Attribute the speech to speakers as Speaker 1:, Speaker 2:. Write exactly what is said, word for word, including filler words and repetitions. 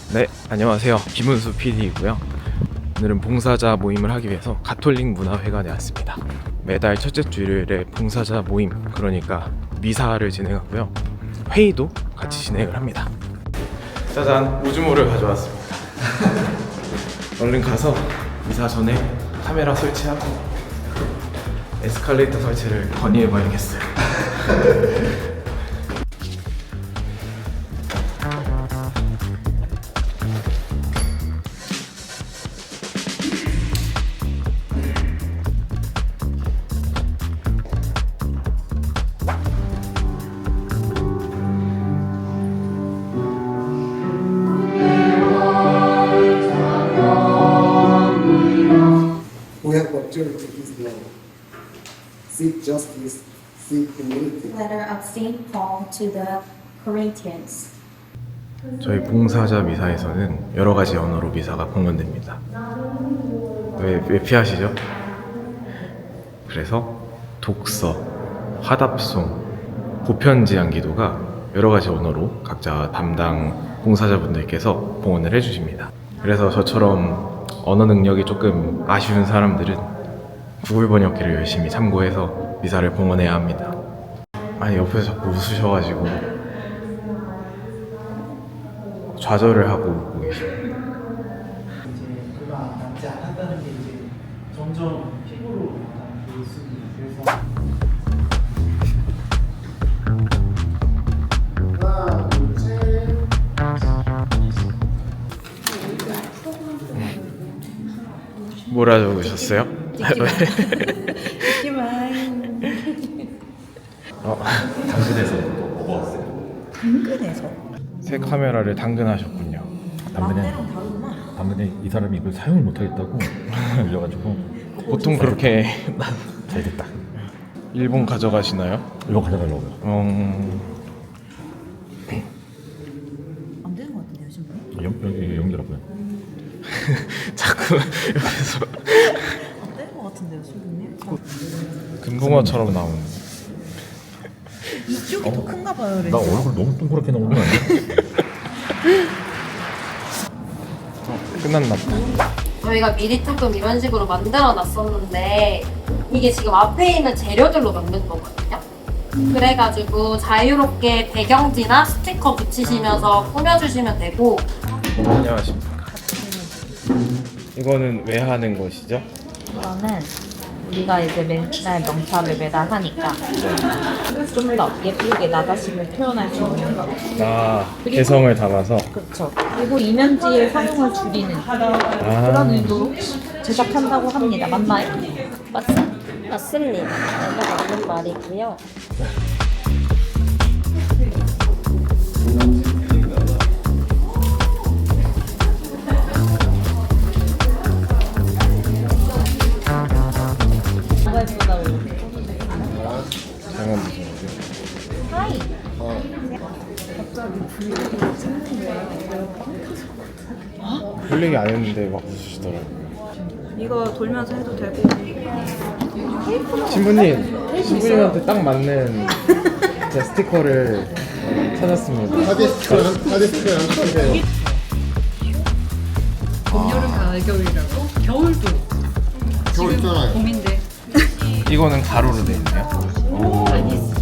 Speaker 1: 네, 안녕하세요. 김은수 피디이고요. 오늘은 봉사자 모임을 하기 위해서 가톨릭 문화회관에 왔습니다. 매달 첫째 주일에 봉사자 모임, 그러니까 미사를 진행하고요. 회의도 같이 진행을 합니다. 짜잔, 우주모를 가져왔습니다. 얼른 가서 미사 전에 카메라 설치하고 에스컬레이터 설치를 건의해봐야겠어요.
Speaker 2: We have observed his law. Seek justice, seek humility.
Speaker 3: Letter of Saint Paul to the Corinthians.
Speaker 1: 저희 봉사자 미사에서는 여러 가지 언어로 미사가 봉헌됩니다. 왜, 왜 피하시죠? 그래서 독서, 화답송, 보편지향 기도가 여러 가지 언어로 각자 담당 봉사자분들께서 봉헌을 해주십니다. 그래서 저처럼 언어 능력이 조금 아쉬운 사람들은 구글 번역기를 열심히 참고해서 미사를 봉헌해야 합니다. 아니, 옆에서 자꾸 웃으셔가지고 좌절을 하고 웃고 계십니다.
Speaker 4: 이제 얼마 남지 않았다는 게 이제 점점 피부로 보였으니 그래서
Speaker 2: 하나, 둘, 셋.
Speaker 1: 뭐라 적으셨어요? 어,
Speaker 5: 당근에서 또 먹어봤어요.
Speaker 6: 당근에서?
Speaker 1: 새 카메라를 당근하셨군요.
Speaker 5: 당근에
Speaker 6: 라떼랑 다르구나.
Speaker 5: 당근에 이 사람이 이걸 사용을 못하겠다고 알려가지고
Speaker 1: 보통 그렇게
Speaker 5: 잘 됐다.
Speaker 1: 일본 가져가시나요?
Speaker 5: 이거 가져가려고요.
Speaker 1: 음...
Speaker 6: 안 되는 것 같은데요, 지금?
Speaker 5: 연, 여기 연기라고요.
Speaker 1: 자꾸 옆에서
Speaker 6: 안 되는 것 같은데요, 지금?
Speaker 1: 금붕어처럼 나오는.
Speaker 6: 이쪽이 더 큰가 봐요,
Speaker 5: 나
Speaker 6: 렌즈가.
Speaker 5: 얼굴 너무 동그랗게 나오는 거 아니야?
Speaker 1: 끝났나 보다.
Speaker 3: 저희가 미리 조금 이런 식으로 만들어 놨었는데 이게 지금 앞에 있는 재료들로 만든 거거든요. 그래가지고 자유롭게 배경지나 스티커 붙이시면서 꾸며주시면 되고.
Speaker 1: 안녕하십니까. 이거는 왜 하는 것이죠?
Speaker 7: 이거는 우리가 이제 맨날 명찰을 매달 하니까 좀 더 예쁘게 나 자신을 표현할 수 있는 거.
Speaker 1: 아, 개성을 담아서.
Speaker 7: 그렇죠. 그리고 이면지의 사용을 줄이는
Speaker 1: 아,
Speaker 7: 그런 의도로 제작한다고 합니다. 맞나요?
Speaker 3: 맞습, 맞습니다. 내가 맞는 말이고요.
Speaker 7: 뭐가 예쁘다 고
Speaker 1: 장난 무슨 거죠?
Speaker 7: 하이.
Speaker 1: 볼 얘기 안 했는데 막 웃으시더라고요.
Speaker 6: 이거 돌면서 해도 되고.
Speaker 1: 신부님, 신부님한테 딱 맞는 제 스티커를 찾았습니다.
Speaker 2: 사진 스티커, 사진 스티커 연습해요.
Speaker 8: 봄, 여름, 가을, 겨울이라고? 겨울도
Speaker 2: 겨울 있잖아요.
Speaker 8: 봄인데
Speaker 1: 이거는 가로로 돼 있네요. 오.